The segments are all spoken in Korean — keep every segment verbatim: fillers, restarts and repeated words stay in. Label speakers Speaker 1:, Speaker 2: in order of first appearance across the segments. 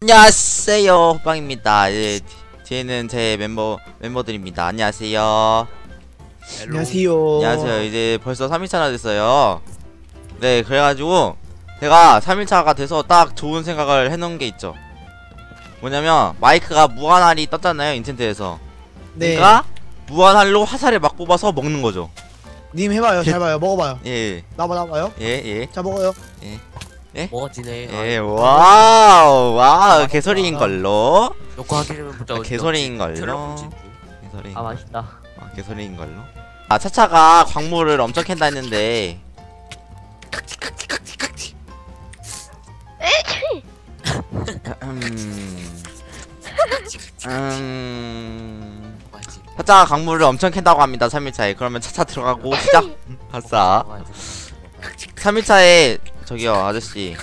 Speaker 1: 안녕하세요, 호빵입니다. 예, 뒤에는 제 멤버 멤버들입니다. 안녕하세요.
Speaker 2: 안녕하세요.
Speaker 1: 안녕하세요. 이제 벌써 삼 일차나 됐어요. 네, 그래가지고 제가 삼 일차가 돼서 딱 좋은 생각을 해놓은 게 있죠. 뭐냐면 마이크가 무한알이 떴잖아요, 인챈트에서.
Speaker 2: 네.
Speaker 1: 그러니까 무한알로 화살을 막 뽑아서 먹는 거죠.
Speaker 2: 님 해봐요. 잘 봐요. 먹어봐요.
Speaker 1: 예,
Speaker 2: 나봐 나봐요.
Speaker 1: 예, 예,
Speaker 2: 자 먹어요.
Speaker 3: 먹어지네.
Speaker 1: 예. 와우, 와우, 개소리인 걸로.
Speaker 3: 녹화하기는 보자.
Speaker 1: 아, 개소리인 걸로. 개소리.
Speaker 4: 아 맛있다.
Speaker 1: 아, 개소리인 걸로. 아, 차차가 광물을 엄청 캔다 했는데. 음. 음. 차차가 광물을 엄청 캔다고 합니다. 삼 일차에. 그러면 차차 들어가고 시작. 아싸. 삼 일차에 저기요, 아저씨.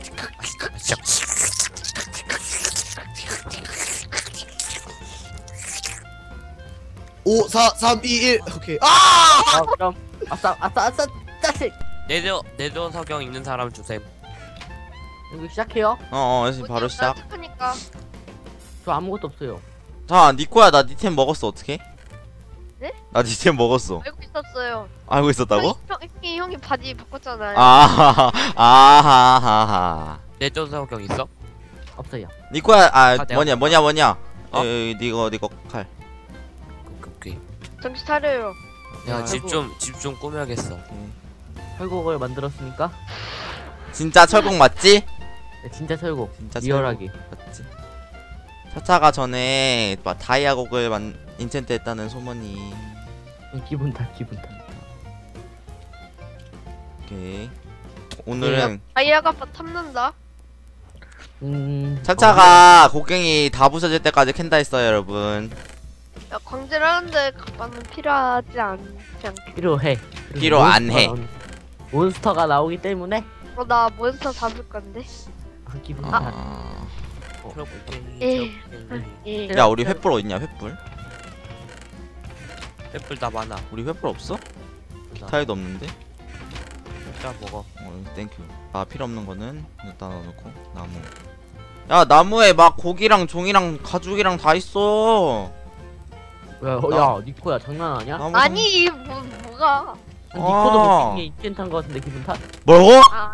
Speaker 2: 오, 사, 삼, 이, 일. 오케이. 아!
Speaker 4: 아 그럼 아싸 아싸 아싸 짜식.
Speaker 3: 내조 내조 석영 있는 사람 주셈.
Speaker 4: 이거 시작해요?
Speaker 1: 어, 어, 바로 시작.
Speaker 5: 하니까
Speaker 4: 저 아무것도 없어요.
Speaker 1: 자, 니코야, 나 니템 먹었어. 어떻게?
Speaker 5: 네?
Speaker 1: 나 니템 먹었어.
Speaker 5: 알고 있었어요.
Speaker 1: 알고 있었다고?
Speaker 5: 형이, 형이, 형이 바지 바꿨잖아요.
Speaker 1: 아하하, 아하하하.
Speaker 3: 내조 석영 있어?
Speaker 4: 없어요.
Speaker 1: 니코야, 아,
Speaker 3: 내가
Speaker 1: 뭐냐, 뭐냐, 뭐냐.
Speaker 3: 어?
Speaker 1: 에이, 니거, 니거 칼.
Speaker 3: 오케이 오케이.
Speaker 5: 정신 차려요.
Speaker 3: 내가
Speaker 4: 아,
Speaker 3: 집 좀 집 좀 꾸며야겠어.
Speaker 4: 철곡을 만들었으니까
Speaker 1: 진짜 철곡 맞지?
Speaker 4: 네, 진짜 철곡.
Speaker 1: 진짜
Speaker 4: 리얼하게.
Speaker 1: 철곡 맞지? 차차가 전에 막 다이아 곡을 만 인챈트 했다는 소문이.
Speaker 4: 기분 탓 기분 탓.
Speaker 1: 오케이. 오늘은
Speaker 5: 다이아가 탐난다.
Speaker 4: 음.
Speaker 1: 차차가 곡괭이 다 부서질 때까지 캔다 했어요, 여러분.
Speaker 5: 야, 광질 하는데 가방은 필요하지 않지 않게.
Speaker 4: 필요해.
Speaker 1: 필요 안 해.
Speaker 4: 몬스터가- 몬스터가 나오기 때문에
Speaker 5: 어, 나 몬스터 잡을 건데.
Speaker 4: 아, 기분 탓.
Speaker 1: 아...
Speaker 5: 예. 예.
Speaker 1: 야, 우리 횃불 어딨냐, 횃불?
Speaker 3: 횃불 다 많아.
Speaker 1: 우리 횃불 없어? 기타에도 없는데?
Speaker 3: 자 먹어.
Speaker 1: 어, 땡큐. 아, 필요 없는 거는 일단 넣어놓고. 나무. 야, 나무에 막 고기랑 종이랑 가죽이랑 다 있어.
Speaker 4: 야, 어,
Speaker 1: 나-
Speaker 4: 야 니코야 장난 아니야?
Speaker 1: 나무
Speaker 5: 아니, 뭐, 뭐가.
Speaker 4: 아니, 니코도
Speaker 1: 아.
Speaker 4: 못생긴 인텐트한 거 같은데 기분 탓?
Speaker 1: 뭐라고?
Speaker 5: 아,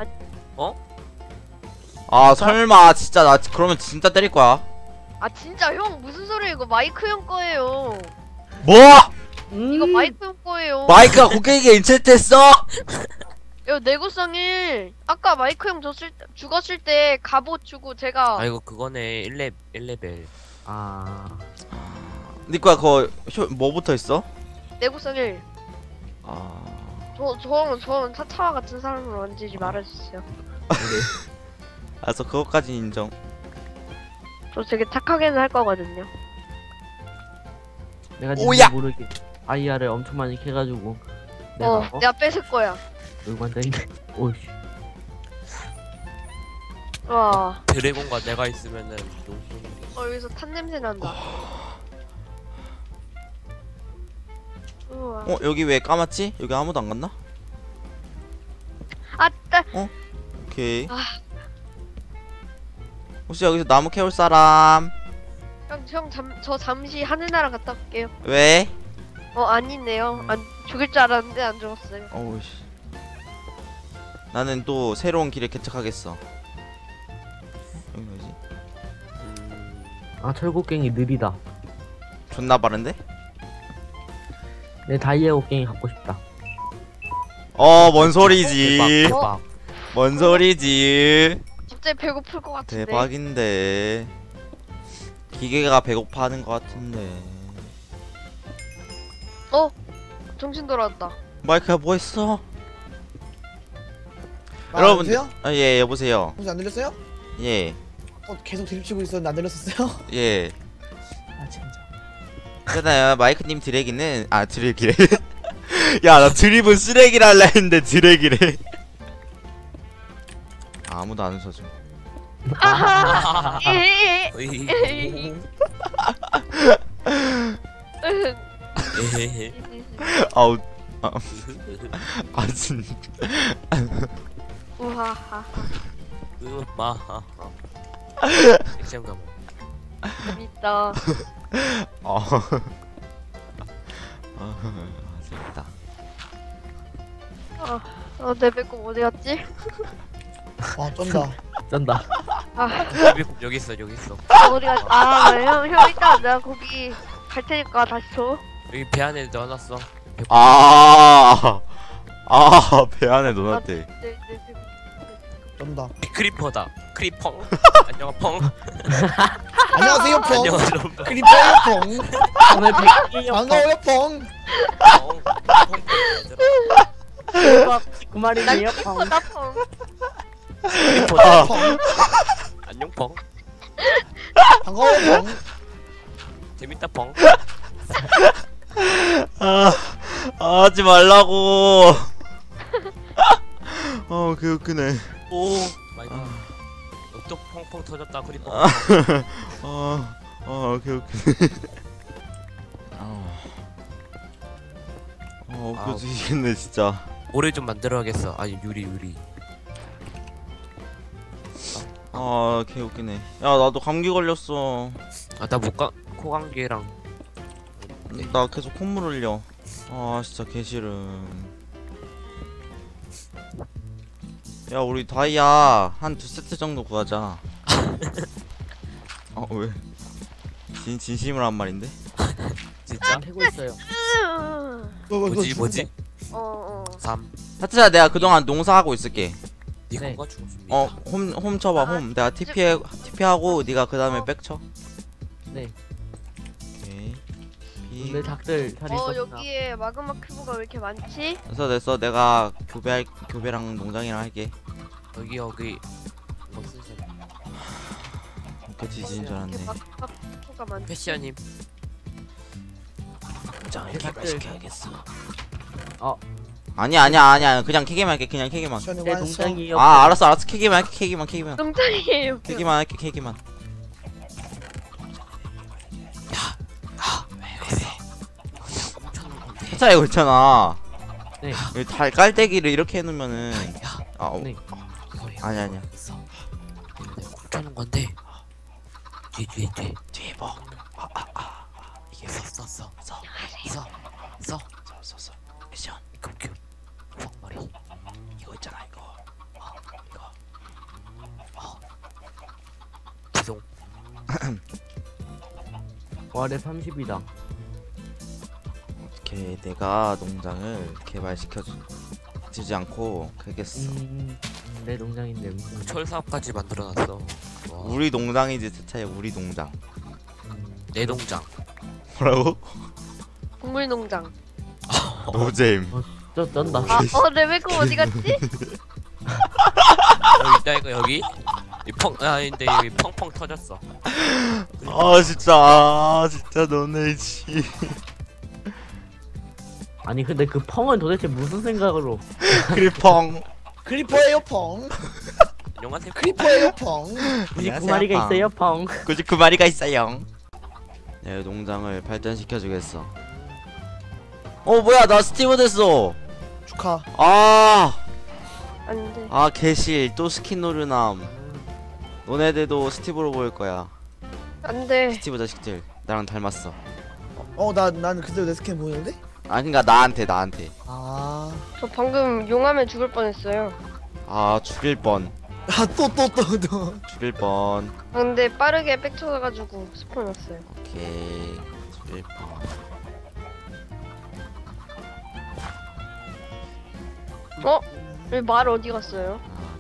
Speaker 1: 아, 설마 진짜 나 그러면 진짜 때릴 거야.
Speaker 5: 아, 진짜 형, 무슨 소리야. 이거 마이크 형 거예요.
Speaker 1: 뭐?
Speaker 4: 음.
Speaker 5: 이거 마이크 형 거예요.
Speaker 1: 마이크가 고객에게 인챈트했어?
Speaker 5: 야, 내구성 일. 아까 마이크 형 줬을 때, 죽었을 때 갑옷 주고 제가.
Speaker 3: 아 이거 그거네. 일 레 일 레벨.
Speaker 4: 아.
Speaker 1: 니꺼야 그거 효, 뭐 붙어있어?
Speaker 5: 내구성 일.
Speaker 1: 아...
Speaker 5: 저, 저, 저, 차차와 같은 사람을 만지지 말아주세요.
Speaker 1: 알았어, 그것까지 인정.
Speaker 5: 저 되게 착하게는 할 거거든요.
Speaker 4: 내가
Speaker 1: 오야!
Speaker 4: 니도 모르게 아이아를 엄청 많이 캐가지고 내가
Speaker 5: 어,
Speaker 4: 어?
Speaker 5: 내가 뺏을 거야.
Speaker 4: 놀고 앉아있네. 오이씨.
Speaker 5: 와,
Speaker 3: 드래곤과 내가 있으면은 용돈.
Speaker 5: 어, 여기서 탄 냄새 난다. 우와.
Speaker 1: 어, 여기 왜 까맣지? 여기 아무도 안 갔나?
Speaker 5: 아, 따.
Speaker 1: 오케이.
Speaker 5: 아.
Speaker 1: 혹시 여기서 나무 캐올 사람?
Speaker 5: 형, 형, 잠, 저 잠시 하늘나라 갔다 올게요.
Speaker 1: 왜?
Speaker 5: 어, 아니네요. 안 죽일 줄 알았는데 안 죽었어요.
Speaker 1: 어우씨. 나는 또 새로운 길을 개척하겠어. 여기 뭐지?
Speaker 3: 음.
Speaker 4: 아 철곡갱이 느리다.
Speaker 1: 존나 빠른데?
Speaker 4: 내 다이아 곡갱이 갖고 싶다.
Speaker 1: 어, 뭔 소리지?
Speaker 3: 대박 대박.
Speaker 1: 뭔 소리지?
Speaker 5: 갑자기 배고플 것 같은데.
Speaker 1: 대박인데. 기계가 배고파하는 것 같은데.
Speaker 5: 어, 정신 돌아왔다.
Speaker 1: 마이크야 뭐 했어?
Speaker 2: 아,
Speaker 1: 여러분.
Speaker 2: 여보세요?
Speaker 1: 아, 예, 여보세요.
Speaker 2: 혹시 안 들렸어요?
Speaker 1: 예,
Speaker 2: 어, 계속 드립치고 있었는데 안 들렸었어요?
Speaker 1: 예.
Speaker 2: 아 진짜.
Speaker 1: 그잖아요, 마이크님 드래기는 아 드래기래. 야, 나 드립은 쓰레기라 할라 했는데 드래기래. 아, 아무도 안 웃어줘.
Speaker 5: 아하! 에헤헤.
Speaker 3: 어이. 에헤헤.
Speaker 1: 아우, 아, 아 진짜.
Speaker 5: 우하하.
Speaker 3: 으마. 액션 감옥.
Speaker 5: 재밌다.
Speaker 1: 어. 어, 재밌다.
Speaker 5: 아, 어, 내 배꼽 어디 갔지?
Speaker 2: 와 쩐다.
Speaker 4: 쩐다.
Speaker 5: 아,
Speaker 3: 여기 있어 여기 있어.
Speaker 5: 어디 갔? 아, 형, 형 이따 내가 거기 갈 테니까 다시 줘.
Speaker 3: 여기 배 안에 넣어놨어.
Speaker 1: 아, 아, 배 안에 넣어놨대.
Speaker 5: 네, 네, 네.
Speaker 2: 쩐다.
Speaker 3: 크리퍼다. 크리펑. 안녕 펑.
Speaker 2: 안녕하세요 펑.
Speaker 3: 안녕 여러분.
Speaker 2: 크리퍼예요 펑.
Speaker 4: 오늘 백이요.
Speaker 2: 반가워요 펑.
Speaker 3: 펑. 펑.
Speaker 4: 그 말이에요.
Speaker 5: 크리퍼다 펑.
Speaker 3: 크리퍼다.
Speaker 2: 펑.
Speaker 3: 안녕 펑.
Speaker 2: 반가워요 펑.
Speaker 3: 재밌다 펑.
Speaker 1: 아, 아, 하지 말라고. 어, 그 웃기네.
Speaker 3: 오 마이 갓. 또 펑펑 터졌다 크리퍼.
Speaker 1: 아, 어, 어, 그 웃기네. 아, 어,
Speaker 3: 아우.
Speaker 1: 웃겨지겠네 진짜.
Speaker 3: 모래 좀 만들어야겠어. 아니 유리 유리.
Speaker 1: 아, 개 웃기네. 야, 나도 감기 걸렸어.
Speaker 3: 아나 목감 코감기랑.
Speaker 1: 나 계속 콧물 흘려. 아, 진짜 개 싫음. 야, 우리 다이아 한 두 세트 정도 구하자. 어, 왜? 진 진심으로 한 말인데?
Speaker 3: 진짜?
Speaker 4: 패고 있어요.
Speaker 3: 뭐지 뭐지?
Speaker 5: 어, 어.
Speaker 3: 삼.
Speaker 1: 하트야, 내가 그동안 농사하고 있을게.
Speaker 3: 니
Speaker 4: 네.
Speaker 3: 건가 죽었습니다.
Speaker 1: 어, 홈, 홈 쳐봐,
Speaker 5: 아,
Speaker 1: 홈. 내가 티피해, 티피하고, 네가 그 다음에 백 쳐.
Speaker 4: 네.
Speaker 1: 오케이. 피.
Speaker 4: 오늘 닭들 살이
Speaker 5: 어,
Speaker 4: 있었나?
Speaker 5: 여기에 마그마 큐브가 왜 이렇게 많지?
Speaker 1: 됐어, 됐어. 내가 교배할, 교배랑 농장이랑 할게.
Speaker 3: 여기 여기 뭐 쓰세요?
Speaker 1: 이렇게 지지인 줄
Speaker 5: 이렇게
Speaker 1: 알았네.
Speaker 5: 마그마 큐브가 많지?
Speaker 3: 패션님.
Speaker 1: 농장을
Speaker 4: 닭들.
Speaker 1: 개발시켜야겠어.
Speaker 4: 어.
Speaker 1: 아니야, 아니야, 아니야. 그냥 캐기만 할게, 그냥 캐기만.
Speaker 2: 시원히
Speaker 4: 내
Speaker 2: 완성.
Speaker 4: 동장이요.
Speaker 1: 아, 알았어, 알았어. 캐기만 할게, 캐기만, 캐기만.
Speaker 5: 농장이에요.
Speaker 1: 캐기만 할게, 캐기만. 회사 이거 있잖아.
Speaker 4: 네.
Speaker 1: 여기 달 깔때기를 이렇게 해놓으면은. 아, 어,
Speaker 4: 네.
Speaker 1: 아니 아니야.
Speaker 3: 훔쳐놓은 건데. 뒤 뒤에 뒤에
Speaker 1: 뒤에 뭐? 아, 아, 아, 아. 이게 왜?
Speaker 3: 써 써.
Speaker 1: 써,
Speaker 3: 써. 써.
Speaker 1: 써, 써, 써. 미션.
Speaker 3: 컴퓨. 펑머리.
Speaker 1: 이거 있잖아, 이거. 어, 이거.
Speaker 3: 죄송.
Speaker 4: 월에 삼십이다.
Speaker 1: 이렇게 내가 농장을 개발시켜 주지 않고 그겠어.
Speaker 4: 음, 내 농장인데 무슨
Speaker 3: 철 사업까지 만들어놨어. 와.
Speaker 1: 우리 농장이지, 대차에 우리 농장.
Speaker 4: 음,
Speaker 3: 내 농장.
Speaker 1: 뭐라고?
Speaker 5: 동물 농장.
Speaker 1: 노잼.
Speaker 4: 저 쩐다.
Speaker 5: 아, 어, 내 배꼽 어디 갔지?
Speaker 3: 여기 있다 이거 여기. 이 펑. 아 근데 여기 펑펑 터졌어.
Speaker 1: 아, 진짜. 아, 진짜 너네 지.
Speaker 4: 아니 근데 그 펑은 도대체 무슨 생각으로?
Speaker 1: 크리펑.
Speaker 2: 크리퍼예요 펑.
Speaker 3: 안녕하세요.
Speaker 2: 크리퍼예요 펑.
Speaker 4: 구십구 마리가 있어요 펑.
Speaker 1: 구십구 마리가 있어요. 내 농장을 발전시켜 주겠어. 어, 뭐야, 나 스티브 됐어.
Speaker 2: 축하.
Speaker 1: 아,
Speaker 5: 안 돼.
Speaker 1: 아, 개실 또 스킨 노르남. 너네들도 스티브로 보일 거야.
Speaker 5: 안 돼.
Speaker 1: 스티브 자식들 나랑 닮았어.
Speaker 2: 어 나 나는 그대로 내 스캔 보이는데?
Speaker 1: 아, 그니까 나한테 나한테.
Speaker 2: 아.
Speaker 5: 저 방금 용암에 죽을 뻔했어요.
Speaker 1: 아, 죽일 뻔.
Speaker 2: 아 또 또 또 또.
Speaker 1: 죽일 뻔.
Speaker 5: 아, 근데 빠르게 백 쳐가지고 스폰 났어요.
Speaker 1: 오케이. 죽일 뻔.
Speaker 5: 어? 왜 말 어디 갔어요?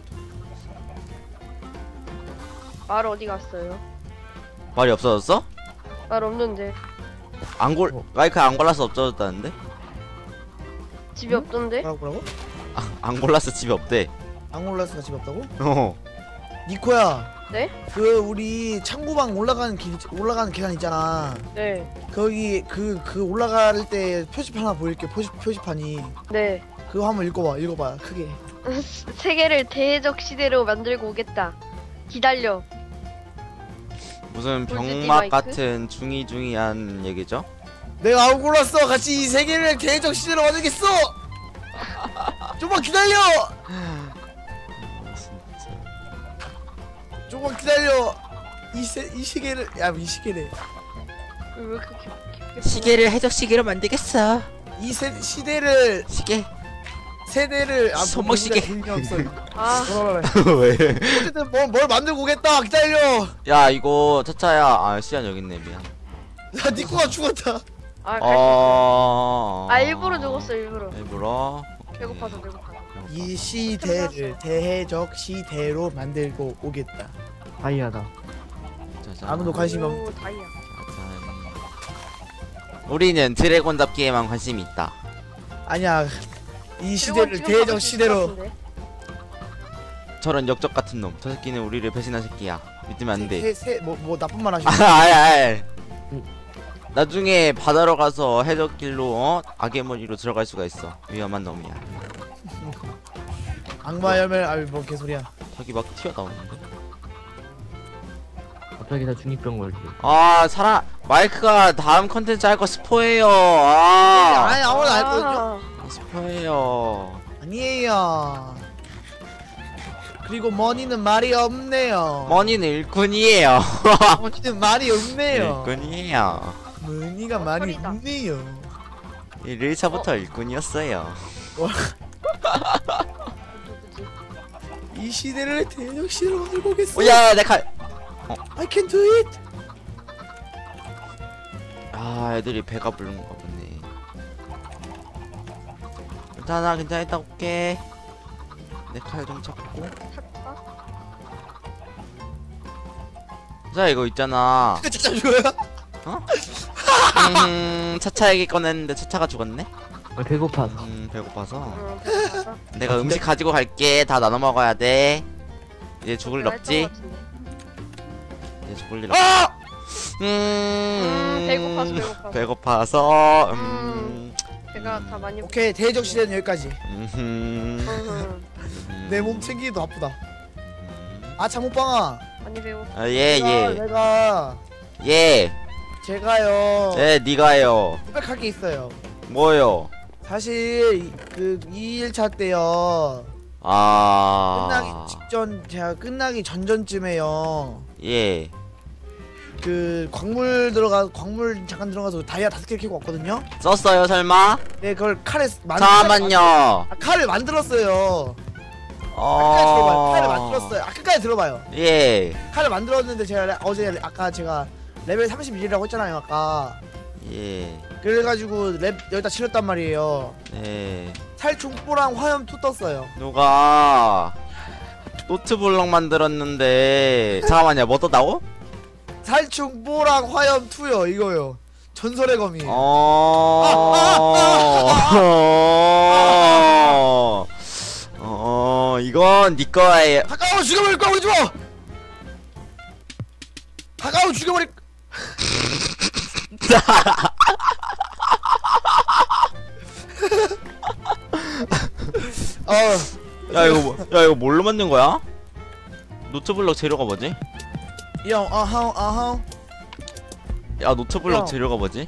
Speaker 5: 말 어디 갔어요?
Speaker 1: 말이 없어졌어?
Speaker 5: 말 없는데.
Speaker 1: 안 골,
Speaker 4: 어.
Speaker 1: 마이크 안 골라서 없어졌다는데?
Speaker 5: 집이 없던데?
Speaker 2: 뭐라고 뭐라고?
Speaker 1: 아, 안 골라서 집에 없대.
Speaker 2: 앙골라스가 집에 없다고?
Speaker 1: 어.
Speaker 2: 니코야.
Speaker 5: 네?
Speaker 2: 그 우리 창고방 올라가는 길 올라가는 계단 있잖아.
Speaker 5: 네.
Speaker 2: 거기 그 그 올라갈 때 표지판 하나 보일게. 표지 표지판이.
Speaker 5: 네.
Speaker 2: 그거 한번 읽어봐. 읽어봐. 크게.
Speaker 5: 세계를 대적 시대로 만들고 오겠다. 기다려.
Speaker 1: 무슨
Speaker 5: 골드디
Speaker 1: 병맛
Speaker 5: 마이크?
Speaker 1: 같은 중이중이한 얘기죠?
Speaker 2: 내가 앙골라스와 같이 이 세계를 대적 시대로 만들겠어. 좀만 기다려.
Speaker 1: 진짜.
Speaker 2: 조금만 기다려. 이세 이 시계를 야 이 시계래.
Speaker 5: 왜 이렇게 깊- 깊게
Speaker 1: 시계를 해적 시계로 만들겠어.
Speaker 2: 이 세 시대를
Speaker 1: 시계.
Speaker 2: 세대를 아
Speaker 1: 손목시계.
Speaker 2: 없어.
Speaker 5: 아
Speaker 1: 왜?
Speaker 2: 어쨌든 뭐, 뭘 만들고 오겠다. 기다려.
Speaker 1: 야 이거 차차야. 아 시안 여기 있네 미안.
Speaker 2: 야 니코가 죽었다.
Speaker 5: 아, 갈
Speaker 1: 어.
Speaker 5: 아 일부러 죽었어 일부러.
Speaker 1: 일부러.
Speaker 5: 배고파서 배고파서.
Speaker 2: 이 시대를 대해적 시대로 만들고 오겠다.
Speaker 4: 다이아다.
Speaker 1: 짜잔.
Speaker 2: 아무도 관심이 없.
Speaker 5: 오 다이아.
Speaker 1: 짜잔. 우리는 드래곤 잡기에만 관심이 있다.
Speaker 2: 아니야. 이 시대를
Speaker 5: 지금
Speaker 2: 대해적
Speaker 5: 가고
Speaker 2: 시대로.
Speaker 5: 싶을 것 같은데?
Speaker 1: 저런 역적 같은 놈. 저 새끼는 우리를 배신한 새끼야. 믿으면 안 돼.
Speaker 2: 세뭐 뭐 나쁜 말 하시.
Speaker 1: 아, 아이, 아이. 나중에 바다로 가서 해적길로 어? 악의 머리로 들어갈 수가 있어. 위험한 놈이야.
Speaker 2: 악마 열매 아이 뭐 개소리야.
Speaker 1: 저기 막 튀어나오는데.
Speaker 4: 갑자기 다 중이병 걸지.
Speaker 1: 아, 사람 마이크가 다음 컨텐츠 할 거 스포예요. 아,
Speaker 2: 아니 아무도 안 했거든요.
Speaker 5: 아,
Speaker 1: 스포예요.
Speaker 2: 아니에요. 그리고 머니는 말이 없네요.
Speaker 1: 머니는 일꾼이에요.
Speaker 2: 머니는 말이 없네요.
Speaker 1: 일꾼이에요.
Speaker 2: 머니가 말이
Speaker 5: 헛소리다.
Speaker 2: 없네요.
Speaker 1: 일 차부터 일꾼이었어요.
Speaker 5: 누구지?
Speaker 2: 이 시대를 대적 시대로 만들고 오겠어.
Speaker 1: 오, 야, 내 칼.
Speaker 2: I can do it.
Speaker 1: 아, 애들이 배가 부른가 보네. 괜찮아, 괜찮아, 이따 올게. 내 칼 좀 찾고.
Speaker 5: 찾다?
Speaker 1: 자, 이거 있잖아.
Speaker 2: 진짜 죽어요?
Speaker 1: 음, 차차 얘기 꺼냈는데 차차가 죽었네?
Speaker 4: 아, 배고파서.
Speaker 1: 음, 배고파서.
Speaker 5: 어, 배고파서.
Speaker 1: 내가 음식 가지고 갈게. 다 나눠 먹어야 돼. 이제 죽을 일
Speaker 5: 내가
Speaker 1: 없지?
Speaker 5: 했던 것 같은데.
Speaker 1: 이제 죽을 일 없지?
Speaker 2: 아!
Speaker 1: 음,
Speaker 5: 음, 배고파서 배고파서.
Speaker 1: 배고파서, 음,
Speaker 5: 음. 배가 다 많이
Speaker 2: 오케이 대적 시대는 여기까지.
Speaker 1: 음흠.
Speaker 5: 음,
Speaker 2: 내 몸 챙기기도 아프다.
Speaker 1: 음.
Speaker 2: 아 장모빵아.
Speaker 1: 아,
Speaker 5: 많이 배고파.
Speaker 1: 예,
Speaker 2: 내가,
Speaker 1: 예.
Speaker 2: 내가
Speaker 1: 예.
Speaker 2: 제가요.
Speaker 1: 예, 니가요.
Speaker 2: 고백할 게 있어요.
Speaker 1: 뭐요?
Speaker 2: 사실 그 이 일차 때요.
Speaker 1: 아.
Speaker 2: 끝나기 직전 제가 끝나기 전전쯤에요.
Speaker 1: 예.
Speaker 2: 그 광물 들어가 광물 잠깐 들어가서 다이아 다섯 개 캐고 왔거든요.
Speaker 1: 썼어요, 설마?
Speaker 2: 네 그걸 칼에 만
Speaker 1: 잠깐만요.
Speaker 2: 아, 칼을 만들었어요. 아까까지 들어봐요. 칼을 만들었어요. 아 끝까지 들어봐요.
Speaker 1: 예.
Speaker 2: 칼을 만들었는데 제가 레- 어제 아까 제가 레벨 삼십일이라고 했잖아요 아까.
Speaker 1: 예.
Speaker 2: 그래가지고 랩 여기다 치렀단 말이에요.
Speaker 1: 네.
Speaker 2: 살충뽀랑 화염 투 떴어요.
Speaker 1: 누가 노트블럭 만들었는데 잠깐만요. 뭐 떴다고?
Speaker 2: 살충뽀랑 화염 투요 이거요. 전설의 검이.
Speaker 1: 어. 어. 이건 니 거예요.
Speaker 2: 가까워 죽여버릴 거야 우리 집. 가까워 죽여버릴. 어.
Speaker 1: 야 이거 뭐, 야 이거 뭘로 만든 거야? 노트블럭 재료가 뭐지?
Speaker 2: 형, 어허, 어허.
Speaker 1: 야 노트블럭
Speaker 2: 야.
Speaker 1: 재료가 뭐지?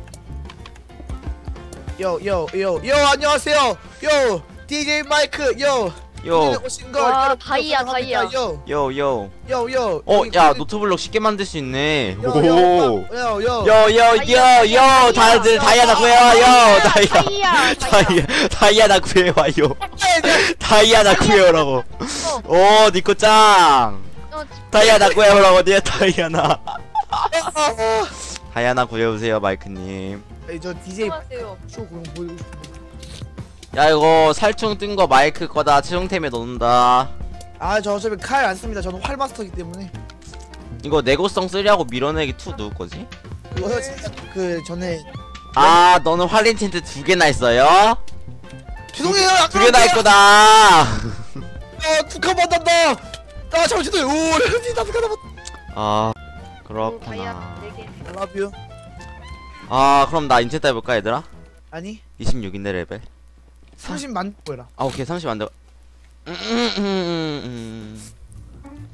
Speaker 2: 요, 요, 요, 요, 안녕하세요. 요, 디제이 마이크, 요.
Speaker 1: 요.
Speaker 2: 오신 걸
Speaker 5: 와,
Speaker 2: 여러분
Speaker 5: 다이아,
Speaker 2: 환영합니다.
Speaker 5: 다이아.
Speaker 2: 요,
Speaker 1: 요 요.
Speaker 2: 요, 요.
Speaker 1: 어,
Speaker 2: 여기
Speaker 1: 야
Speaker 2: 그-
Speaker 1: 노트블럭 쉽게 만들 수 있네.
Speaker 2: 요,
Speaker 1: 오.
Speaker 2: 요, 요, 요.
Speaker 1: 요 요 요 요 다들 다이아나 구해와 요 다이아
Speaker 5: 다이아.
Speaker 1: 다이아 다이아나 구해와요. 다이아나 구해오라고. 오 니코 짱.
Speaker 5: 어,
Speaker 1: 다이아나 구해오라고 니 다이아나.
Speaker 2: 아,
Speaker 1: 다이아나 구해오세요 마이크님.
Speaker 2: 아. 저 디제이
Speaker 5: 안녕하세요.
Speaker 2: 쇼 그럼 보여주고 싶은데.
Speaker 1: 야 이거 살충 뜬 거 마이크 거다 채용템에 넣는다.
Speaker 2: 아, 저 어차피 칼 안 씁니다. 저는 활 마스터이기 때문에.
Speaker 1: 이거 내구성 쓰리하고 밀어내기 투 누구 거지?
Speaker 2: 그거 진짜 그 전에
Speaker 1: 아 너는 활린 텐트 두 개나 있어요?
Speaker 2: 죄송해요.
Speaker 1: 두 개나 있구나.
Speaker 2: 아, 두칸 받았다. 아, 잠깐 죄송해요. 오, 레전드 다섯 칸 남았.
Speaker 1: 아
Speaker 5: 다이아
Speaker 1: 그렇구나.
Speaker 5: 네 개.
Speaker 2: I love you.
Speaker 1: 아 그럼 나 인체 해볼까 얘들아?
Speaker 2: 아니,
Speaker 1: 이십육인데 레벨.
Speaker 2: 삼십만 보여라.
Speaker 1: 아 오케이 삼십 안 돼. 음, 음, 음, 음,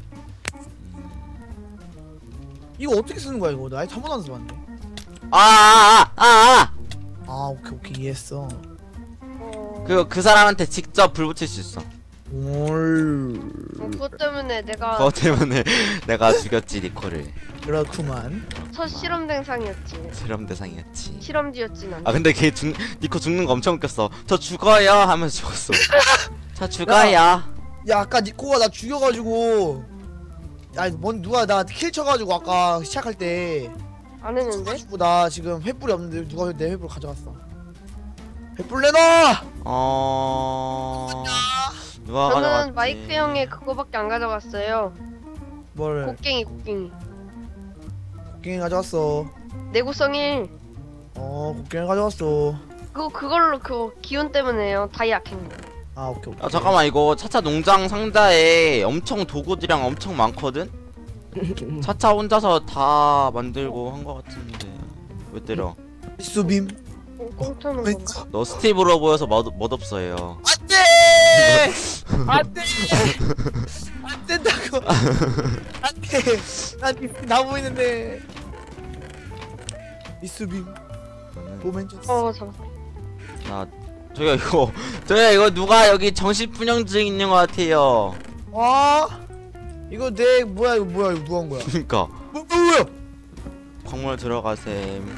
Speaker 2: 이거 어떻게 쓰는 거야 이거? 나 아직 한 번도 안 써봤는데.
Speaker 1: 아, 아, 아, 아,
Speaker 2: 아, 오케이 오케이 이해했어.
Speaker 5: 어,
Speaker 1: 그그 사람한테 직접 불 붙일 수 있어.
Speaker 2: 올.
Speaker 5: 오케이. 그것 때문에 내가
Speaker 1: 그것 때문에 내가 죽였지 니코를.
Speaker 2: 그렇구만.
Speaker 5: 첫 실험 대상이었지.
Speaker 1: 실험 대상이었지.
Speaker 5: 실험지였진 않아.
Speaker 1: 아 근데 걔 죽, 니코 죽는 거 엄청 웃겼어. 저 죽어요 하면서 죽었어. 저 죽어요.
Speaker 2: 야 아까 니코가 나 죽여가지고 아니 뭔 누가 나 킬 쳐가지고 아까 시작할 때
Speaker 5: 안 했는데?
Speaker 2: 가지고 나 지금 횃불이 없는데 누가 내 횃불 가져갔어. 횃불 내놔.
Speaker 1: 어. 누가
Speaker 5: 저는
Speaker 1: 가져갔지?
Speaker 5: 마이크 형의 그거밖에 안 가져갔어요.
Speaker 2: 뭐를?
Speaker 5: 곡괭이 곡괭이.
Speaker 2: 곡괭이 가져왔어.
Speaker 5: 내구성 일.
Speaker 2: 어 곡괭이 가져왔어.
Speaker 5: 그거 그걸로 그 기운 때문에요. 다이아 캔 거.
Speaker 2: 아 오케이 오케이.
Speaker 1: 아 잠깐만 이거 차차 농장 상자에 엄청 도구들이랑 엄청 많거든? 차차 혼자서 다 만들고 한 거 같은데 왜 때려?
Speaker 2: 수빔.
Speaker 5: 어, 공짜는 건가?
Speaker 1: 너 스티브로 보여서 멋, 멋없어요.
Speaker 2: 안돼. 안돼. 안 된다고. 안돼. 난나 보이는데. 미스빔. 로맨스.
Speaker 5: 어 잡았어.
Speaker 1: 나 저기요 이거 저기요 이거 누가 여기 정신분영증 있는 거 같아요.
Speaker 2: 와. 이거 내 뭐야 이거 뭐야 이거 누가 한 거야?
Speaker 1: 그니까
Speaker 2: 뭐 뭐야?
Speaker 1: 광물 들어가셈.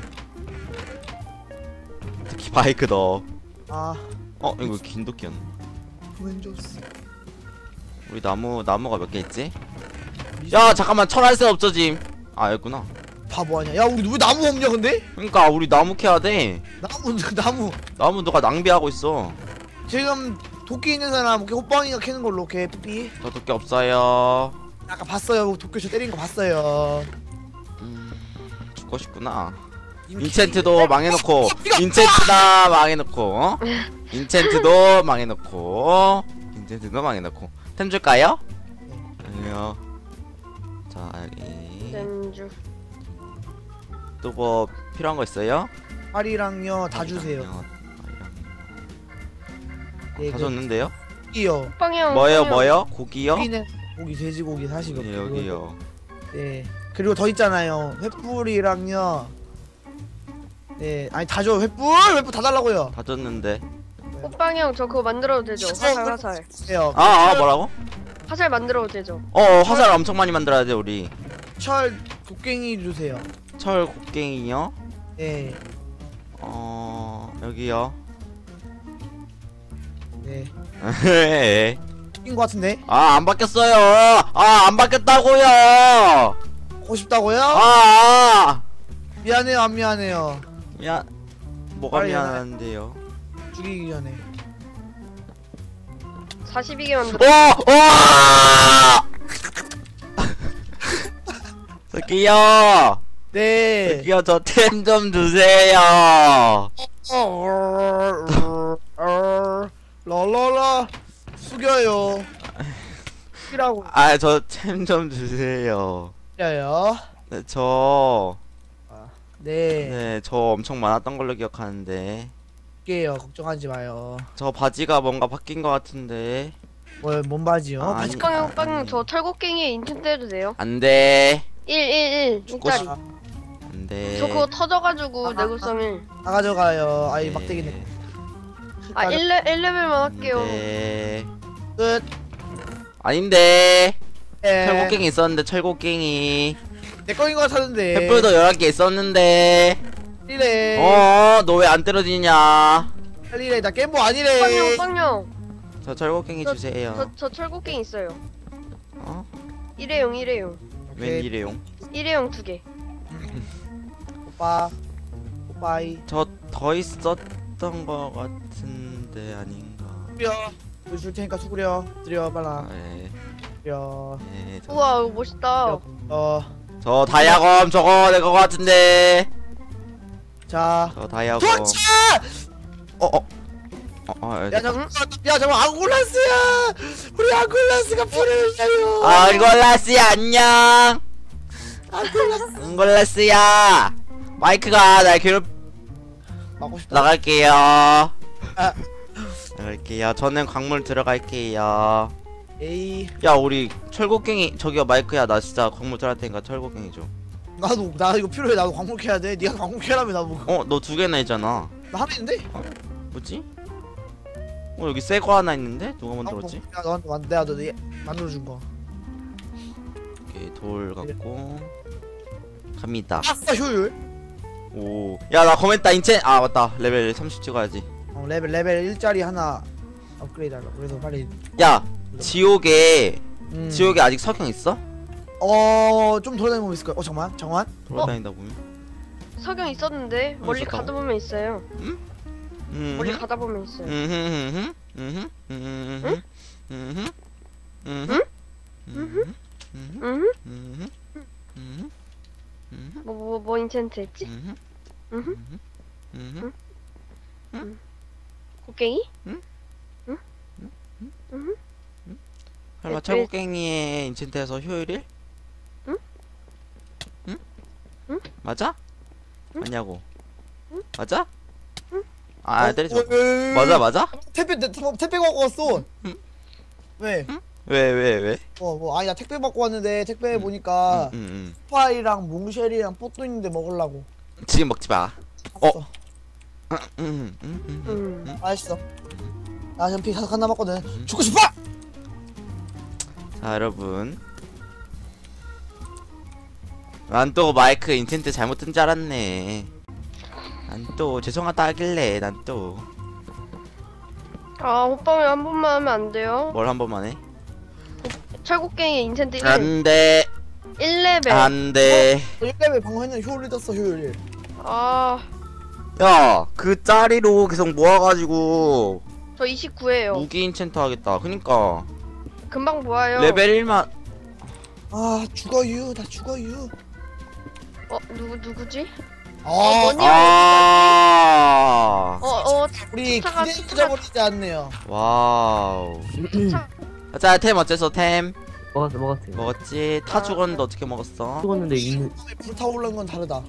Speaker 1: 특히 바이크 넣어.
Speaker 2: 아
Speaker 1: 어 이거 긴도끼였네.
Speaker 2: 로맨스.
Speaker 1: 우리 나무 나무가 몇 개 있지? 야 잠깐만 철할새 없어짐. 아 여기구나.
Speaker 2: 바보 아니야? 야 우리 왜 나무 없냐 근데?
Speaker 1: 그러니까 우리 나무 캐야 돼.
Speaker 2: 나무 나무.
Speaker 1: 나무 누가 낭비하고 있어.
Speaker 2: 지금 도끼 있는 사람 이렇게 호빵이가 캐는 걸로 이렇게 삐삐.
Speaker 1: 저 도끼 없어요.
Speaker 2: 아까 봤어요. 도끼 저 때린 거 봤어요.
Speaker 1: 음, 죽고 싶구나.
Speaker 2: 이미
Speaker 1: 인챈트도 망해놓고 인챈트다 망해놓고 어? 인챈트도 망해놓고 인챈트도 망해놓고 템 줄까요? 아니요. 자 여기
Speaker 5: 렌즈.
Speaker 1: 또 뭐 필요한 거 있어요?
Speaker 2: 파리랑요 다 주세요.
Speaker 1: 아니요.
Speaker 2: 네,
Speaker 1: 다
Speaker 2: 그
Speaker 1: 줬는데요?
Speaker 2: 고기요.
Speaker 5: 빵형.
Speaker 1: 뭐요 뭐요? 고기요?
Speaker 2: 고기는 고기 돼지고기 사시고.
Speaker 1: 네, 여기요.
Speaker 2: 네. 그리고 더 있잖아요. 횃불이랑요. 네. 아니 다 줘. 횃불 횃불 다 달라고요.
Speaker 1: 다 줬는데.
Speaker 5: 호빵형 저 그거 만들어도 되죠? 화살 화살.
Speaker 2: 해요.
Speaker 1: 아, 아 뭐라고?
Speaker 5: 화살 만들어도 되죠?
Speaker 1: 어 화살 엄청 많이 만들어야 돼 우리.
Speaker 2: 철 곡괭이 주세요.
Speaker 1: 철 곡괭이요?
Speaker 2: 네.
Speaker 1: 어 여기요.
Speaker 2: 네. 낀 거 같은데?
Speaker 1: 아 안 바뀌었어요. 아 안 바뀌었다고요.
Speaker 2: 먹고 싶다고요?
Speaker 1: 아, 아.
Speaker 2: 미안해요 안 미안해요.
Speaker 1: 미안. 뭐가
Speaker 2: 빨리
Speaker 1: 미안한데요?
Speaker 2: 죽이기 전에.
Speaker 5: 사십이 개 만들어.
Speaker 1: 오! 오! 저기요.
Speaker 2: 네.
Speaker 1: 저기요 저 템 좀 주세요.
Speaker 2: 랄랄라 숙여요. 숙이라고.
Speaker 1: 아 저 템 좀 주세요.
Speaker 2: 숙여요.
Speaker 1: 네, 저
Speaker 2: 네.
Speaker 1: 네, 저 엄청 많았던 걸로 기억하는데
Speaker 2: 숙게요. 걱정하지 마요.
Speaker 1: 저 바지가 뭔가 바뀐 것 같은데.
Speaker 2: 뭐뭔 바지요?
Speaker 1: 아,
Speaker 2: 바지.
Speaker 1: 아니.
Speaker 5: 호빵형 호빵형 저 철곡갱이에 인챈트 해도 돼요?
Speaker 1: 안 돼.
Speaker 5: 일 일 일
Speaker 1: 죽고
Speaker 5: 일짜리.
Speaker 1: 싶- 안 돼.
Speaker 5: 저 그거 터져가지고
Speaker 2: 아,
Speaker 5: 내구성 일.
Speaker 2: 다 가져가요. 아이
Speaker 1: 네.
Speaker 2: 막대기네.
Speaker 5: 아 일 레 일 레벨만 할게요.
Speaker 1: 네.
Speaker 2: 끝.
Speaker 1: 아닌데.
Speaker 2: 네.
Speaker 1: 철곡갱이 있었는데 철곡갱이.
Speaker 2: 내 거인 거 같았는데.
Speaker 1: 횃불도 열한 개 있었는데.
Speaker 2: 빨리래.
Speaker 1: 어, 너 왜 안 떨어지냐?
Speaker 2: 빨리래. 나 겜보
Speaker 5: 호빵형
Speaker 2: 아니래.
Speaker 5: 호빵형.
Speaker 1: 저 철곡갱이
Speaker 5: 저-
Speaker 1: 주세요.
Speaker 5: 저 저 철곡갱이 있어요.
Speaker 1: 어?
Speaker 5: 일회용 일회용.
Speaker 1: 웬
Speaker 2: 오케이.
Speaker 1: 일회용?
Speaker 5: 일회용 두 개.
Speaker 2: 오빠. 오빠이.
Speaker 1: 저 더 있었던 거 같은데 아닌가?
Speaker 2: 수구려. 이거 줄 테니까 수구려. 드려
Speaker 1: 아,
Speaker 2: 빨라.
Speaker 1: 예.
Speaker 2: 드려.
Speaker 1: 예. 저,
Speaker 5: 우와 이거 멋있다.
Speaker 2: 어.
Speaker 1: 저 다이아검 저거 내 거 같은데.
Speaker 2: 자.
Speaker 1: 저 다이아검.
Speaker 2: 도망쳐!
Speaker 1: 어, 어. 어, 어, 예.
Speaker 2: 야 잠깐. 야 잠깐 앙골라스야. 우리 앙골라스가 불을 내요.
Speaker 1: 앙골라스 안녕.
Speaker 2: 앙골라스.
Speaker 1: 앙골라스야. 마이크가 날 괴롭.
Speaker 2: 막고 싶다.
Speaker 1: 나갈게요.
Speaker 2: 아.
Speaker 1: 나갈게요. 저는 광물 들어갈게요.
Speaker 2: 에이.
Speaker 1: 야 우리 철곡갱이 저기요 마이크야 나 진짜 광물 들어갈 테니까 철곡갱이 줘.
Speaker 2: 나도 나 이거 필요해. 나도 광물 캐야 돼. 네가 광물 캐라며 나보고.
Speaker 1: 어 너 두 개나 있잖아.
Speaker 2: 나 하나 있는데?
Speaker 1: 뭐지? 어 여기 새 거 하나 있는데 누가 만들었지?
Speaker 2: 야 너한테 만- 내가 너 얘 만들어준 거.
Speaker 1: 오케이 돌 갖고 갑니다.
Speaker 2: 아싸 효율.
Speaker 1: 오, 야 나 거맨다 인첸. 아 맞다, 레벨 삼십 찍어야지.
Speaker 2: 어, 레벨 레벨 일짜리 하나 업그레이드 하려고. 그래서 빨리.
Speaker 1: 야 지옥에
Speaker 2: 음.
Speaker 1: 지옥에 아직 석영 있어?
Speaker 2: 어좀 돌아다니면 있을 거야. 어 잠만 잠만.
Speaker 1: 돌아다니다 보면.
Speaker 5: 석영 있었는데 멀리
Speaker 1: 있었다고?
Speaker 5: 가다 보면 있어요.
Speaker 1: 음.
Speaker 5: 멀리 가다 보면 있어요.
Speaker 1: 음흠 음흠 음흠 음흠 음흠 음흠 음흠
Speaker 5: 응?
Speaker 1: 음흠 음흠 음흠
Speaker 5: 뭐 뭐 뭐 인챈트 했지?
Speaker 1: 음흠
Speaker 5: 응?
Speaker 1: 음흠
Speaker 5: 곡괭이?
Speaker 1: 설마
Speaker 5: 네,
Speaker 1: 철곡갱이의 인챈트에서 효율일?
Speaker 5: 응?
Speaker 1: 응?
Speaker 5: 응?
Speaker 1: 맞아?
Speaker 5: 응?
Speaker 1: 맞냐고?
Speaker 5: 응?
Speaker 1: 맞아?
Speaker 5: 응?
Speaker 1: 아
Speaker 2: 어,
Speaker 1: 때리지 마.
Speaker 2: 어, 어,
Speaker 1: 맞아 맞아?
Speaker 2: 택배 내- 택배 택배 갖고 왔어.
Speaker 1: 응?
Speaker 2: 왜?
Speaker 1: 왜 왜 왜?
Speaker 2: 어 뭐 아니 나 택배 받고 왔는데 택배 보니까
Speaker 1: 응, 응,
Speaker 2: 스파이랑 몽쉘이랑 뽀또 있는데 먹으려고.
Speaker 1: 응. 지금 먹지 마.
Speaker 2: 어.
Speaker 1: 응, 응, 응, 응.
Speaker 5: 음.
Speaker 2: 맛있어. 나 지금 피 하나 남았거든. 죽고 싶어.
Speaker 1: 자 여러분, 난 또 마이크 인텐트 잘못 뜬 줄 알았네. 난 또 죄송하다 하길래 난 또 뭘
Speaker 5: 아 호빵이 한 번만 하면 안 돼요?
Speaker 1: 한 번만 해?
Speaker 5: 철곡갱이 인챈트 일,
Speaker 1: 안돼
Speaker 5: 일 레벨.
Speaker 1: 안돼.
Speaker 2: 일 레벨 방금 했는데 효율이 떴어 효율.
Speaker 5: 아,
Speaker 1: 야 그 짜리로 계속 모아가지고
Speaker 5: 저 이십구예요.
Speaker 1: 무기 인챈트 하겠다. 그니까
Speaker 5: 금방 모아요.
Speaker 1: 레벨 일만.
Speaker 2: 아 죽어유 나 죽어유.
Speaker 5: 어 누구 누구지?
Speaker 2: 아
Speaker 5: 뭐니?
Speaker 1: 아
Speaker 5: 어 어.
Speaker 2: 우리
Speaker 5: 차가-
Speaker 2: 기대 잊어버리지 않네요.
Speaker 1: 와우.
Speaker 5: 차.
Speaker 1: 자 템 어째서 템
Speaker 4: 먹었어 먹었어요.
Speaker 1: 먹었지? 타 죽었는데 어떻게 먹었어?
Speaker 4: 죽었는데 있는
Speaker 2: 불타오르는 건 다르다.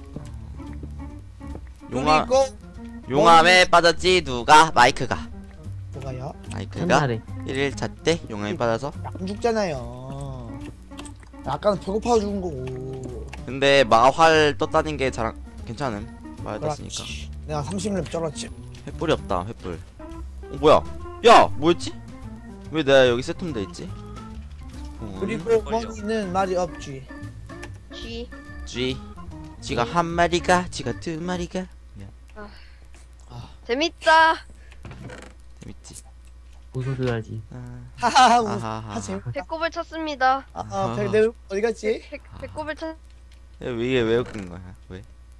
Speaker 1: 용암
Speaker 2: 그리고
Speaker 1: 용암에 빠졌지 누가? 마이크가.
Speaker 2: 뭐가요?
Speaker 1: 마이크가
Speaker 4: 첫날에
Speaker 1: 일 일차 때 용암에 빠져서.
Speaker 2: 안 죽잖아요. 아까는 배고파 죽은 거고.
Speaker 1: 근데 마활 떴다는 게 잘 괜찮음. 마활 떴으니까.
Speaker 2: 그렇지. 내가 삼십 렙 쩔었지.
Speaker 1: 횃불이 없다. 횃불. 어 뭐야? 야 뭐였지? 왜 내가 여기 세톰돼 있지? 어,
Speaker 2: 그리고
Speaker 3: 걸려.
Speaker 2: 머니는 말이 없지.
Speaker 5: G.
Speaker 1: G G가 한 마리가 G가 두 마리가.
Speaker 5: 재밌다.
Speaker 1: 재밌지?
Speaker 4: 웃어줘야지.
Speaker 1: 아,
Speaker 2: 하하하. 우-
Speaker 1: 아하하.
Speaker 2: 하지.
Speaker 5: 배꼽을 찾습니다.
Speaker 2: 아, 아 배, 내 어디 갔지?
Speaker 5: 배, 배꼽을 찾.
Speaker 1: 야, 왜 이게 왜 웃긴 거야? 왜?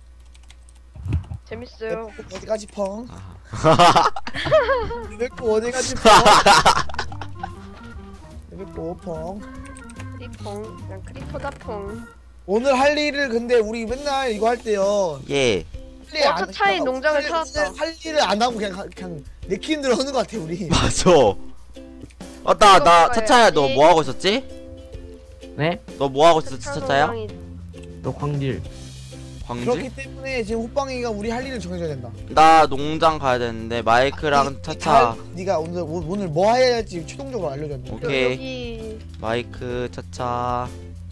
Speaker 5: 재밌어요.
Speaker 2: 내 어디 가지 펑?
Speaker 1: 아.
Speaker 2: 내거 어디 가지 펑? 내거 펑.
Speaker 5: 크리퐁. 그냥 크리퍼다 퐁.
Speaker 2: 오늘 할 일을 근데 우리 맨날 이거 할 때요.
Speaker 1: 예.
Speaker 2: 할 일
Speaker 5: 어,
Speaker 2: 안-
Speaker 5: 차차의
Speaker 2: 할-
Speaker 5: 농장을
Speaker 2: 할-
Speaker 5: 찾았다.
Speaker 2: 할 일을 안 하고 그냥 그냥 내키는 대로 하는 것 같아 우리.
Speaker 1: 맞아. 맞다.
Speaker 5: 이거
Speaker 1: 나
Speaker 5: 먹어야지.
Speaker 1: 차차야 너 뭐 하고 있었지?
Speaker 4: 네?
Speaker 1: 너 뭐 하고 있었지
Speaker 5: 차차
Speaker 1: 차차야?
Speaker 5: 농장이-
Speaker 4: 너 광질.
Speaker 1: 광질?
Speaker 2: 그렇기 때문에 지금 호빵이가 우리 할 일을 정해줘야 된다.
Speaker 1: 나 농장 가야 되는데 마이크랑
Speaker 2: 이-
Speaker 1: 차차.
Speaker 2: 이 네가 오늘 오- 오늘 뭐 해야 할지 최종적으로 알려줘야 돼.
Speaker 1: 오케이.
Speaker 5: 여- 여기
Speaker 1: 마이크 차차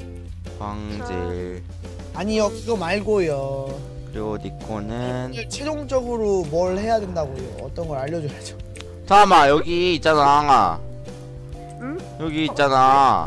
Speaker 1: 광질
Speaker 2: 아니요 그거 말고요.
Speaker 1: 그리고 니코는
Speaker 2: 오늘 최종적으로 뭘 해야 된다고요. 어떤 걸 알려줘야죠.
Speaker 1: 잠깐만 여기 있잖아.
Speaker 5: 응?
Speaker 1: 여기 있잖아.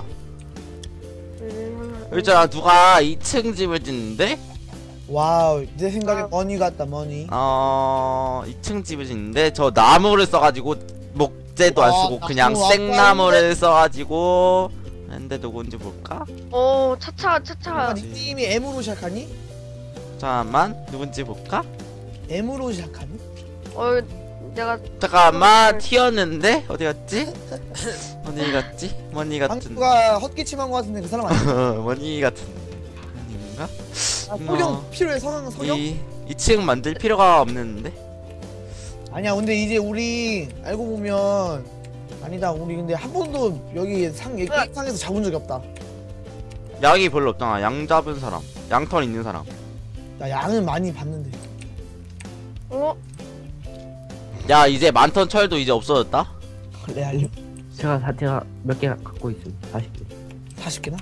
Speaker 5: 음,
Speaker 1: 여기 있잖아. 누가 이 층 집을 짓는데?
Speaker 2: 와우 내 생각에
Speaker 5: 아.
Speaker 2: 머니 같다 머니.
Speaker 1: 어... 이 층 집을 짓는데 저 나무를 써가지고 목재도 안
Speaker 2: 와,
Speaker 1: 쓰고 그냥
Speaker 2: 나무
Speaker 1: 생나무를 써가지고 근데 누군지 볼까?
Speaker 5: 어 차차 차차.
Speaker 2: 아, 닉네임이 M으로 시작하니?
Speaker 1: 잠깐만 누군지 볼까?
Speaker 2: M으로 시작하니?
Speaker 5: 어 내가
Speaker 1: 잠깐만 튀었는데? 어디 갔지? 어디 갔지? 머니 같은
Speaker 2: 방구가 헛기침한 것 같은데 그 사람 아니야?
Speaker 1: 머니 같은 아닌가?
Speaker 2: 아, 석영 필요해 성형 석영?
Speaker 1: 이 이 층 만들 필요가 없는데?
Speaker 2: 아니야 근데 이제 우리 알고 보면 아니다 우리 근데 한 번도 여기 상 여기 상에서 잡은 적이 없다.
Speaker 1: 약이 별로 없잖아. 양 잡은 사람, 양털 있는 사람.
Speaker 2: 나 양은 많이 봤는데.
Speaker 5: 어
Speaker 1: 야 이제 만턴 철도 이제 없어졌다.
Speaker 2: 그래 알려.
Speaker 4: 제가 다 제가 몇 개 갖고 있습니다. 사십 개.
Speaker 2: 사십 개나?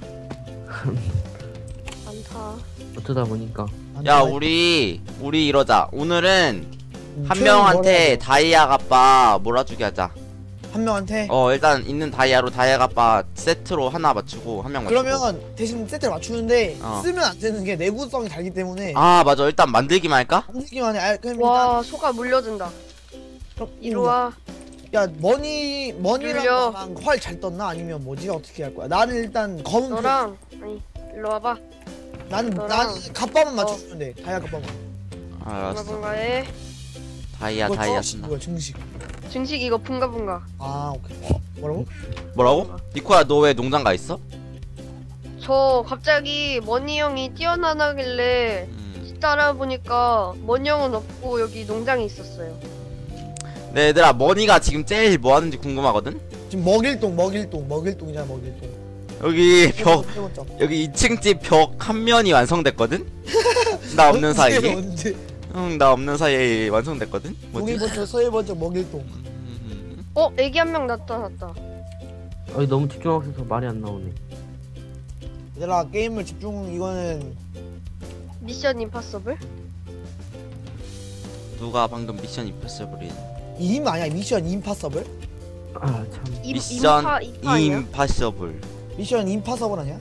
Speaker 5: 많다.
Speaker 4: 어쩌다 보니까
Speaker 1: 야 우리 우리 이러자. 오늘은
Speaker 2: 음,
Speaker 1: 한
Speaker 2: 최종 뭘 해야
Speaker 1: 명한테
Speaker 2: 돼?
Speaker 1: 다이아 값바 몰아주게 하자.
Speaker 2: 한 명한테.
Speaker 1: 어 일단 있는 다이아로 다이아 갑바 세트로 하나 맞추고 한 명 맞추고.
Speaker 2: 그러면 대신 세트를 맞추는데
Speaker 1: 어.
Speaker 2: 쓰면 안 되는 게 내구성이 달기 때문에
Speaker 1: 아 맞아 일단 만들기만 할까?
Speaker 2: 만들기만 해. 아, 그럼 일단
Speaker 5: 와 소가 물려준다.
Speaker 2: 그럼
Speaker 5: 이리 와.
Speaker 2: 야 머니 머니랑
Speaker 5: 눌려.
Speaker 2: 나랑 활 잘 떴나 아니면 뭐지 어떻게 할 거야? 나는 일단 검은 표-
Speaker 5: 너랑 아니 일로 와봐.
Speaker 2: 나는
Speaker 5: 너랑-
Speaker 2: 나는 갑바만
Speaker 5: 어.
Speaker 2: 맞춰주면 돼. 다이아 갑바만.
Speaker 1: 알았어.
Speaker 5: bun가bun가해.
Speaker 1: 다이아
Speaker 2: 이거
Speaker 1: 다이아
Speaker 2: 증식
Speaker 1: 쓴다.
Speaker 2: 뭐야 증식?
Speaker 5: 증식 이거 bun가bun가.
Speaker 2: 아 오케이. 뭐라고?
Speaker 1: 뭐라고? 니코야 너 왜 농장 가 있어?
Speaker 5: 저 갑자기 머니 형이 뛰어나나길래
Speaker 1: 음.
Speaker 5: 따라 보니까 머니 형은 없고 여기 농장에 있었어요.
Speaker 1: 네 얘들아 머니가 지금 제일 뭐 하는지 궁금하거든?
Speaker 2: 지금 먹일동 먹일동 먹일동이잖아 먹일동.
Speaker 1: 여기 벽
Speaker 2: 세 번째.
Speaker 1: 여기 이 층 집 벽 한 면이 완성됐거든? 나 없는
Speaker 2: 언제,
Speaker 1: 사이에?
Speaker 2: 언제?
Speaker 1: 응 나 없는 사이에 완성됐거든? 뭐지?
Speaker 2: 동일 번째 서해 번째 먹일동.
Speaker 1: 음,
Speaker 5: 어 애기 한 명 나타났다.
Speaker 4: 어이 너무 집중하고 있어서 말이 안 나오네.
Speaker 2: 얘들아 게임을 집중 이거는
Speaker 5: 미션 임파서블?
Speaker 1: 누가 방금 미션 임파서블이
Speaker 2: 임 아니야 미션 임파서블?
Speaker 4: 아 참.
Speaker 5: 임,
Speaker 1: 미션
Speaker 5: 임파 임파 아니야?
Speaker 1: 임파서블
Speaker 2: 미션 임파서블 아니야?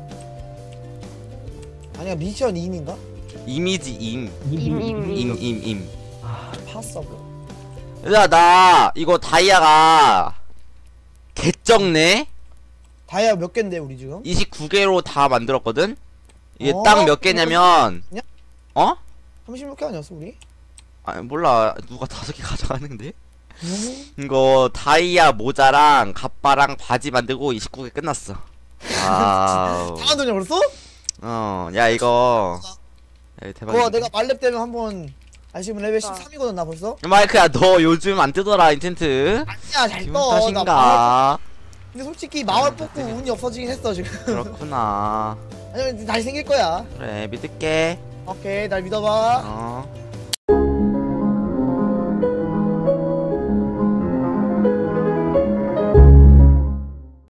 Speaker 2: 아니야 미션 임인가?
Speaker 1: 이미지 임
Speaker 5: 임, 임,
Speaker 1: 임 임 임
Speaker 4: 아,
Speaker 2: 파서블.
Speaker 1: 얘들아 나 이거 다이아가 개쩍네?
Speaker 2: 다이아 몇 갠데 우리 지금?
Speaker 1: 이십구 개로 다 만들었거든? 이게
Speaker 2: 어?
Speaker 1: 딱 몇 개냐면
Speaker 2: 그냥?
Speaker 1: 어?
Speaker 2: 삼십육 개 아니었어 우리?
Speaker 1: 아 몰라 누가 다섯 개 가져가는데?
Speaker 2: 음?
Speaker 1: 이거 다이아 모자랑 갑바랑 바지 만들고 이십구 개 끝났어. 와우.
Speaker 2: 다 만드냐 벌써?
Speaker 1: 어, 야 이거. 야,
Speaker 2: 그거
Speaker 1: 대박.
Speaker 2: 내가 말렙 되면 한번 아시면 레벨
Speaker 5: 아.
Speaker 2: 십삼이거든 나 벌써?
Speaker 1: 마이크야 너 요즘 안 뜨더라 인텐트.
Speaker 2: 아니야 잘
Speaker 1: 기분
Speaker 2: 떠. 나 마을,
Speaker 1: 탓인가?
Speaker 2: 근데 솔직히 마을 뽑고 운이 없어지긴 했어 지금.
Speaker 1: 그렇구나.
Speaker 2: 아니면 다시 생길 거야.
Speaker 1: 그래 믿을게.
Speaker 2: 오케이 날 믿어봐.
Speaker 1: 어.